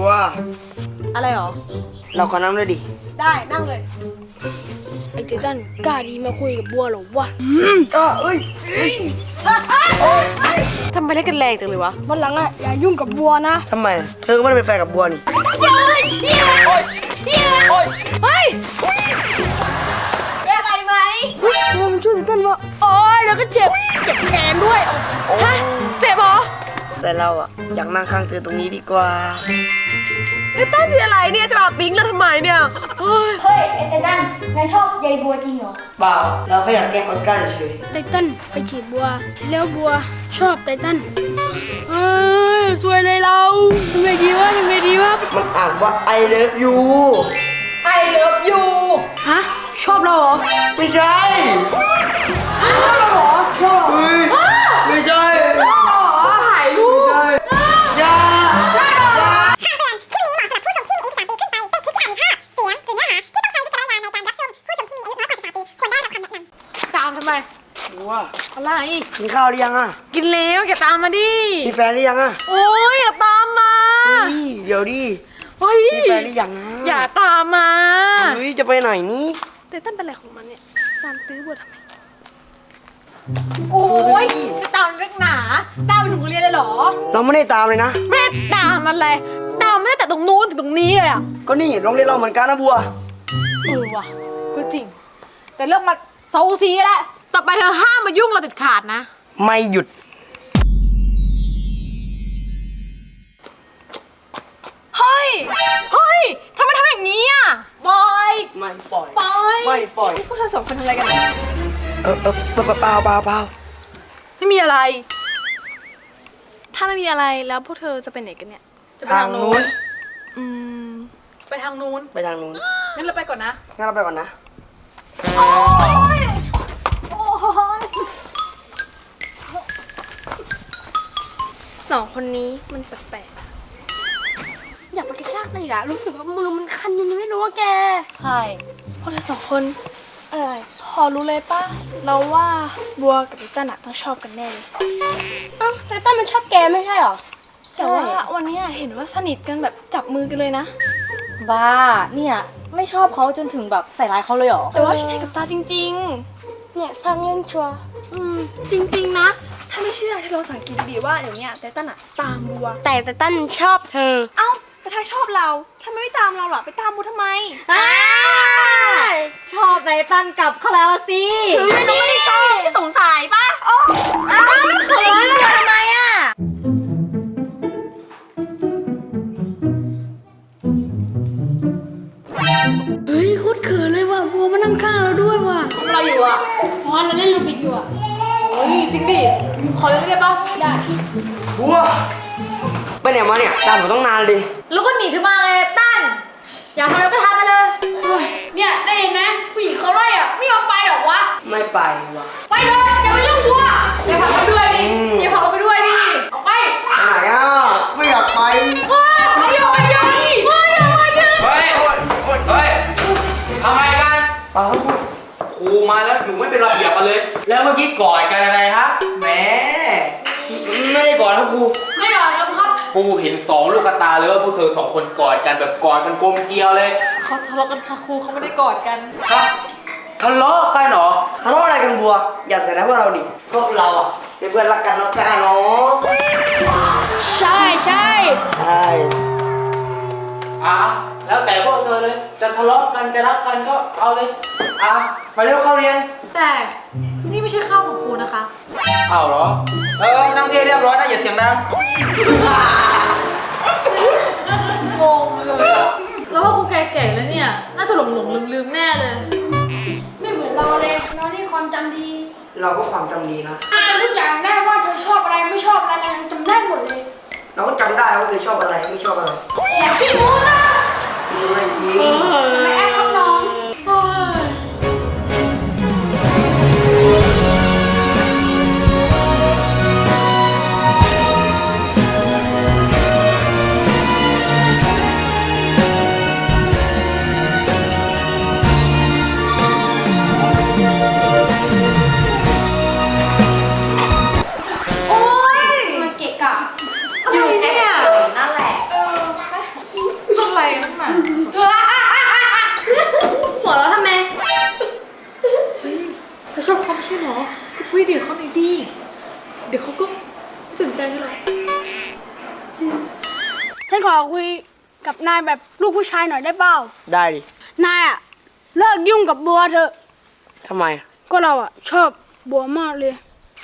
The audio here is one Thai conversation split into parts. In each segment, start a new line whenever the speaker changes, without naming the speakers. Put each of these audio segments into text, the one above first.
บัว
อะไรหรอ
เราขอนั่งด้วยดิ
ได้นั่งเลย
ไอ้เจตันกล้าดีมาคุยกับบัวเหรอวะ
เอ้ย
ทำไมเล่นกันแรงจังเลยวะ
วันหลังอ่ะอย่ายุ่งกับบัวนะ
ทำไมเธอก็ไม่ได้เป็นแฟนกับบัวนี่
เฮ้ยเป็นอะไรไหม
บัวมันช่วยเจตันว่าโอ๊ยแล้วก็เจ็บแขนด้วย
ฮะเจ็บเหรอ
แต่เราอะอยากนั่งข้างเธอตรงนี้ดีกว่า
ไอ้ตั้นมีอะไรเนี่ยจะมาปิ๊งแล้วทำไมเนี่ย
เฮ้ยไอ้เจตันนายชอบยายบัวจริงเหรอ
เปล่าเราแค่อยากแกล้งออสการ์เฉย
ไตตันไปจีบบัวแล้วบัวชอบไตตันสวยเลยเราทำไงดีวะ
มันอ่านว่า I love you
I love you
ฮะชอบเราเหรอ
ไม่ใช่
ชอบเราเหรอ
เฮ้ยไม่ใช่
ถ่ายรูป
ไม่ใช่อย่า
คำเตือนคลิปนี้เหมาะสำหรับผู้ชมที่มีอายุ13ปีขึ้นไป เป็นคลิปที่อาจมีภาพ เสียง หรือเนื้อหาที่ต้องใช้วิจารณญาณในการรับชม ผู้ชมที่มีอายุน้อยกว่า13ปีควรได้รับคำแนะนำ
ตามทำไม
บัว
อะไร
กินข้าวหรือยังอะ
กินแล้วแกตามมาดิ
มีแฟนหรือยังอะ
โอ้ยอย่าตามมา
เดี๋ยวดิมีแฟนหรือยังอะ
อย่าตามมา
จะไปไหนนี่
แต่ตั้นเป็นอะไรของมันเนี่ยตามตื้อบัวทำไมโอ้ยจะตามเรื่องหนาตามไปถึงโรงเรียนเลยเหรอ
เราไม่ได้ตามเลยนะ
ไม่ได้ตามอะไรตามไม่ได้แต่ตรงนู้นถึงตรงนี้เลยอ่ะ
ก็นี่โรงเรียนเราเหมือนกันนะบัว
ว่ะก็จริงแต่เรื่องมาเซาซีแหละต่อไปเธอห้ามมายุ่งเราเด็ดขาดนะ
ไม่หยุด
เฮ้ยทำไมทำอย่างนี้อ่ะปล่อย
ไม่ปล่อย
ไม่
ปล่อย
พวกเธอสองคนทำอะไรกัน
เปล่า
ไม่มีอะไรถ้าไม่มีอะไรแล้วพวกเธอจะไปไหนกันเนี่ยจะไป
ทางนู้น
ไปทางนู้นงั้นเราไปก่อนนะโอ๊ยสองคนนี้มันแปลก
อยากไปกระชากเลยอะรู้สึกว่ามือมันคันยังไม่รู้ว่าแก
ใช่
พวกเราสองคนพอรู้เลยป่ะเราว่าบัวกับไตตันอะต้องชอบกันแน่เลยไตตันมันชอบแกไม่ใช่หรอแต่ว่าวันนี้เห็นว่าสนิทกันแบบจับมือกันเลยนะ
บ้าเนี่ยไม่ชอบเขาจนถึงแบบใส่ร้ายเขาเลยเหรอ
แต่ว่าฉันเห็นกับตาจริงๆเนี่ยสร้างเล่นชัวจริงๆนะถ้าไม่เชื่อที่เราสังเกตดีๆว่าเดี๋ยวนี้ไตตันอะตามบัวแต่ไตตันชอบเธอเอ้าแต่ถ้าชอบเราทำไมไม่ตามเราล่ะไปตามบัวทำไม
ชอบไตตันกลับเขาแล้วสิ
ไม่ได้ชอบแค่สงสัยป่ะไม่เขินเลยทำไมอ่ะเฮ้ยโคตรเขินเลยว่ะบัวมานั่งข้างเราด้วยว่ะ
ทำอะไรอยู่อ่ะ
เราเล่นลูบิกอยู่อ่ะ
เฮ้ยจริงดิขอเล่นได้ป่ะ
ได้
บัวไปไหนมาเนี่ยตามผมต้องนานเลย
แล้วก็หนีเธอมาไงตั้นอยากทำอะไรก็ทำไปเลย
เนี่ยได้เห็นไหมผู้หญิงเขาไล่อ่ะไม่ยอมไปหรอวะ
ไม่ไปวะ
ไปเลยอย่ามายุ่งบัวอย่าพาเขาด้วยดิอย่าพาเขาไปด้วยดิออกไป
ไหนอ่ะไม่อยากไป
ไม่อยากไป
เฮ้ยทำไมกันครูมาแล้วอยู่ไม่เป็นระเบียบกันเลยแล้วเมื่อกี้กอดกันอะไรครับแหม
ไม่ได้กอดครับครู
ไม่กอดครับ
ครูเห็น2 ลูกตาเลยว่าพวกเธอ2 คนกอดกันแบบกอดกันกลมเกลียวเลย
เขาทะเลาะกันค่ะครูเขาไม่ได้กอดกัน
ทะเลาะกันเหรอ
ทะเลาะอะไรกันบัวอย่าใส่ร้ายพวกเราดิพวกเราอ่ะเป็นเพื่อนรักกันเนาะ
ใช่
แล้วแต่พวกเธอเลยจะทะเลาะกันจะรักกันก็เอาเลยไปเร็วเข้าเรียน
แต่นี่ไม่ใช่ข้าวของครูนะคะ
เอาเหรอนั่งเรียบร้อยนะอย่าเสียงดัง
งงเลยแล้วว่าครูแก่ๆแล้วเนี่ยน่าจะหลงลืมแน่เลย
ไม่เหมือนเราเลยเรานี่ความจำดี
เราก็ความจำดีนะ
จำทุกอย่างได้ว่าเธอชอบอะไรไม่ชอบอะไรเราจำได้หมดเลย
เราก็จำได้ว่าเธอชอบอะไรไม่ชอบอะไร
อย่าขี้โม้นะ
ไม่จริง
ไม่แอบครับน้อง
อยู่เนี่ยนั่นแหละมา
หัวเราะทำไม
เธอชอบเขาไม่ใช่เหรอก็คุยเดี๋ยวเขาหน่อยดีเดี๋ยวเขาก็สนใจเธอหรอก
ฉันขอคุยกับนายแบบลูกผู้ชายหน่อยได้เปล่า
ได้ดิ
นายอะเลิกยุ่งกับบัวเถอะ
ทำไมอะ
ก็เราอะชอบบัวมากเลย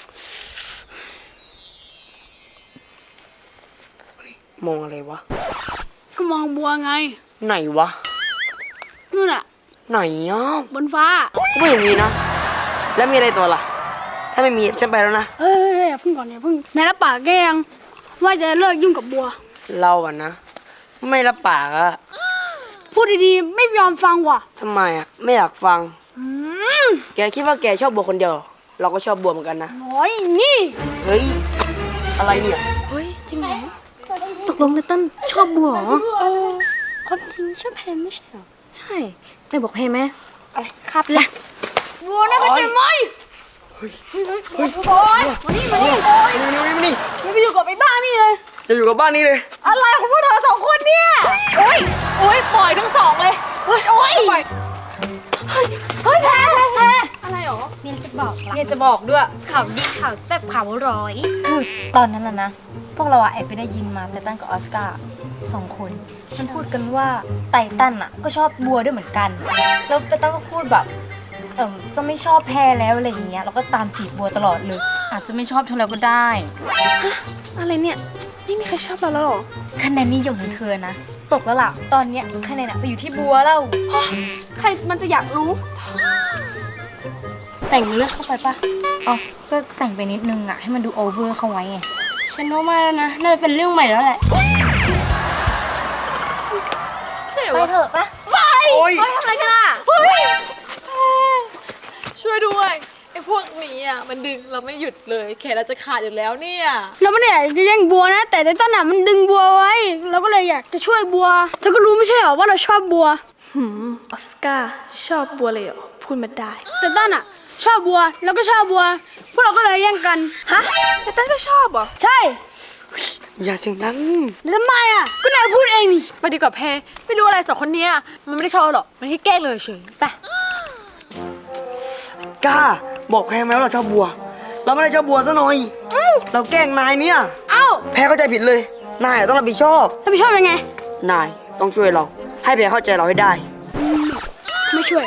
มองอะไรวะ
ก็มองบัวไง
ไหนวะ
นู่นอะ
ไหนอ่ะ
บนฟ้า
ก็ไม่เห็นมีนะ แล้วมีอะไรตัวล่ะ ถ้าไม่มีฉันไปแล้วนะ
เฮ้ยอย่าเพิ่งก่อนอย่าเพิ่งนายรับปากแกยังว่าจะเลิกยุ่งกับบัว
เราอะนะ ไม่รับปากอะ
พูดดีๆไม่ยอมฟังว่ะ
ทำไมอะไม่อยากฟัง แกคิดว่าแกชอบบัวคนเดียวเหรอเราก็ชอบบัวเหมือนกันนะ
โอ้ยนี่
เฮ้ย อะไรเนี่ย
เฮ้ย จริงเหรอ ตกลงไตตันชอบบัวเหรอความจริงชอบแพมไม่ใช่เหรอ ใช่นายบอกแพมไหมอะไรครับแหละ
บัวนะเข้าใจไหมเฮ้ยโอ้ยมานี่มานี่
มานี่
อย่าไปอยู่กับไอ้บ้านี่เลย
จะอยู่กับบ้านนี้เลย
อะไรของพวกเธอสองคนเนี่ยโอ๊ยโอ๊ยปล่อยทั้งสองเลยโอ๊ยโอ๊ย
เฮ้ยแพรอะไรหรอเมียจะบอก
เนี่ยจะบอกด้วย
ข่าวดีข่าวแซ่บข่าวร้อย
คือตอนนั้นน่ะนะ พวกเราอะแอบไปได้ยินมาไตตันกับออสการ์2 คนมันพูดกันว่าไตตันอะก็ชอบบัวด้วยเหมือนกัน แล้วไตตันก็พูดแบบจะไม่ชอบแพรแล้วอะไรอย่างเงี้ยแล้วก็ตามจีบบัวตลอดเลย อาจจะไม่ชอบเธอแล้วก็ได้
อะไรเนี่ยไม่มีใครชอบเราแล้วหรอ
คะแนนนิยมของเธอนะ ตกแล้วล่ะ ตอนเนี้ยคะแนนอะไปอยู่ที่บัวแล้ว
ใครมันจะอยากรู้
แต่งเลือกเข้าไปปะอ๋อก็แต่งไปนิดนึงอะให้มันดูโอเวอร์เข้าไว้ไง
ฉันว่าไม่แล้วนะน่าจะเป็นเรื่องใหม่แล้วแหละใช่เหร
ไป
อ
เถอะปะ
โอ้ย
เฮ้ยทำอะไรกันอ่ะ
ช่วยด้วยไอ้พวกนี้อ่ะมันดึงเราไม่หยุดเลยแขนเราจะขาดอยู่แล้วเนี่ย
เราไม่ได้อยากจะแย่งบัวนะ แต่ไอ้ต้นน่ะมันดึงบัวไว้ เราก็เลยอยากจะช่วยบัว เธอก็รู้ไม่ใช่เหรอว่าเราชอบบัว
ออสการ์ชอบบัวเลยเหรอพูดมาได้
แต่ต้นอ่ะ ชอบบัวแล้วก็ชอบบัว พวกเราก็เลยแย่งกัน
ฮะแต่ตั้นก็ชอบเหรอ
ใช่
อย่าเสียงดัง
แล้วทำไมอ่ะ ก็นายพูดเองนี่
ไปดีกว่าแพรไม่รู้อะไรสองคนเนี้ยมันไม่ได้ชอบหรอกมันแค่แกล้งเลยเฉยไป
กล้า บอกแพรไหมว่าเราชอบบัว เราไม่ได้ชอบบัวซะหน่อย เราแกล้งนายเนี่ย
เอ้า
แพรเข้าใจผิดเลย นายอะต้องรับผิดชอบ
แล้วไปชอบยังไง
นายต้องช่วยเรา ให้แพรเข้าใจเราให้ได้
ไม่ช่วย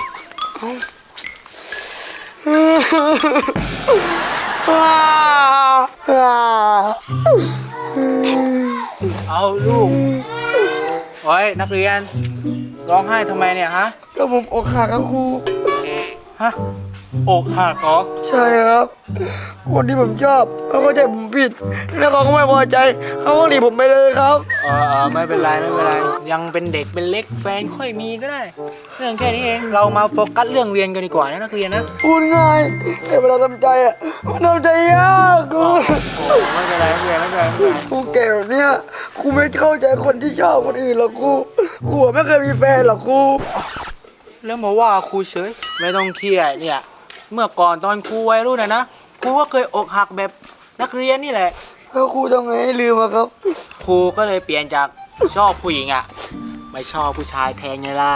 เอาลูกโอ้ยนักเรียน ร้องไห้ทำไมเนี่ยฮะ
ก็ผมอกหักครับครู
ฮะ อกหักเหรอ
ใช่ครับ คนที่ผมชอบเขาเข้าใจผมผิด แล้วเขาก็ไม่พอใจ เขาก็หนีผมไปเลยครับ
ไม่เป็นไรไม่เป็นไร ยังเป็นเด็กเป็นเล็กแฟนค่อยมีก็ได้ เรื่องแค่นี้เอง เรามาโฟกัสเรื่องเรียนกันดีกว่านะนักเรียนนะ
พูดง่ายแต่เวลาทำใจอ่ะมันทำใจยากกู
ไม่เป็นไรไม่เป็นไรไม่เป็นไรไม่เป็นไร
กูแก่แบบเนี้ยกูไม่เข้าใจคนที่ชอบคนอื่นหรอกกูไม่เคยมีแฟนหรอกกู
แล้วมาว่าครูเฉย ไม่ต้องเครียดเนี่ย เมื่อก่อนตอนครูวัยรุ่นนะครูก็เคยอกหักแบบนักเรียนนี่แหละ
แล้วครูทำไงให้ลืมอะครับ
ครูก็เลยเปลี่ยนจากชอบผู้หญิงอ่ะไม่ชอบผู้ชายแทนไงล่ะ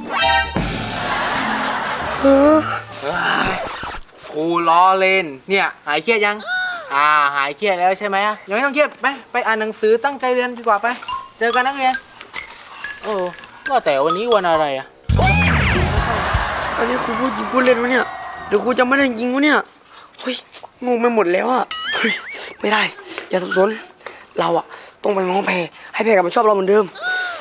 เฮ้ยครูล้อเล่นเนี่ยหายเครียดยังหายเครียดแล้วใช่ไหมยังไม่ต้องเครียดไปอ่านหนังสือตั้งใจเรียนดีกว่าไปเจอกันนักเรียนก็แต่วันนี้วันอะไรอ่ะ
อันนี้ครูพูดจริงพูดเล่นวะเนี่ยเดี๋ยวครูจำไม่ได้จริงวะเนี่ยเฮ้ยงงไปหมดแล้วอะเฮ้ยไม่ได้ อย่าสับสนเราอะต้องไปง้อแพรให้แพรกลับมาชอบเราเหมือนเดิม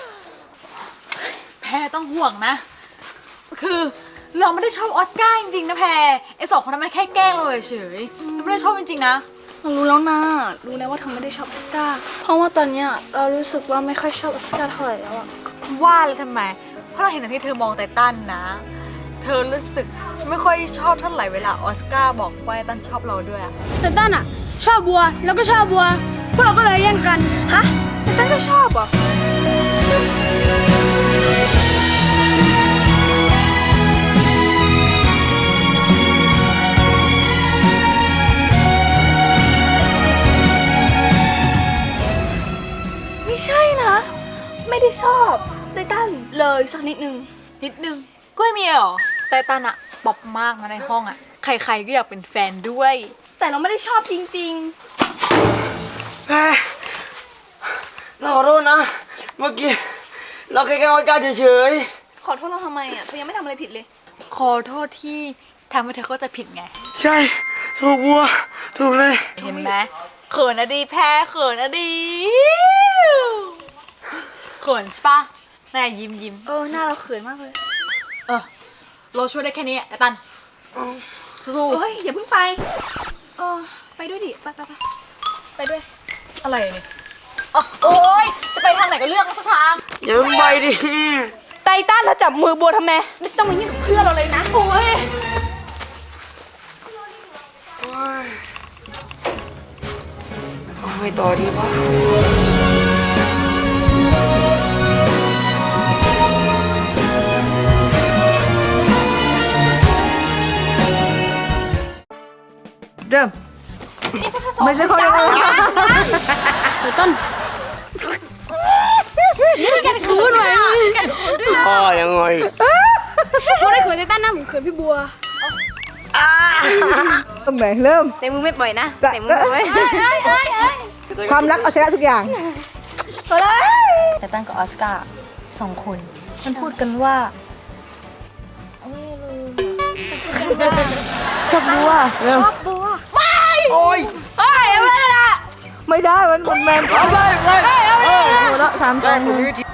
แพรต้องห่วงนะ คือเราไม่ได้ชอบออสการ์จริงๆนะแพรไอ้สองคนนั้นมันแค่แกล้งเราเฉยๆเราไม่ได้ชอบจริงๆนะ
เรารู้แล้วนะรู้แล้วว่าเธอไม่ได้ชอบออสการ์เพราะว่าตอนเนี้ยเรารู้สึกว่าไม่ค่อยชอบออสการ์เท่าไหร่แล้วอะ
ว่าเลยทำไม เพราะเราเห็นอย่างที่เธอมองไตตันนะ เธอรู้สึกไม่ค่อยชอบเท่าไหร่เวลาออสการ์บอกว่าไตตันชอบเราด้วยอะ
แต่ต้นอ่ะ ชอบบัวแล้วก็ชอบบัว พวกเราก็เลยแย่งกัน
ฮะแต่ตั้นก็ชอบเหรอ ไม่ใช่นะ ไม่ได้ชอบอบไตตันเลยสักนิดนึง
นิดนึงก็ไม่มีเหรอไตตันอะป๊อปมากนะในห้องอะใครๆก็อยากเป็นแฟนด้วย
แต่เราไม่ได้ชอบจริง
แพ้เราขอโทษนะ เมื่อกี้เราแค่ออสการ์เฉย
ๆ ขอโทษเราทำไมอ่ะเธอยังไม่ทำอะไรผิดเลย
ขอโทษที่ทำให้เธอเข้าใจผิดไง
ๆใช่ถูกบัวถูกเลย
เห็นไหมเขินนะดีแพ้เขินนะดีเขินใช่ปะนายยิ้ม
หน้าเราเขินมากเลย
เออเราช่วยได้แค่นี้ไอ้ตันสู้
เฮ้ยอย่าเพิ่งไปไปด้วยดิไปด้วย
ๆอะไรเนี่ยอ๋อโอ๊ยจะไปทางไหนก็เลือกมาสักทาง
อย่าเพิ่งไปดิ
ไตตันเราจับมือบัวทำไมไม่ต้องมายุ่งกับเพื่อนเราเลยนะโอ้ย
เอาไงต่อดีวะ
เริ่มไม่ใช่คนเดียว
ไตตันพูดไว้
พ่อยังไง
พูดได้เขินไตตันนะผมเขินพี่บัว
ตรงไหนเริ่ม
แต่มึงไม่ปล่อยนะ
จะ
แต่มึงปล่อย
ความรักเอาชนะทุกอย่าง
แต่ตั้นกับออสการ์สองคน มันพูดกันว่าชอบบัว
เริ่ม
ชอบบัว
โอ้ย
ไม่ได้มันแมน
เอาไป
โอ้แล้วสาม
ได้
ตัว
ผมมีวิธี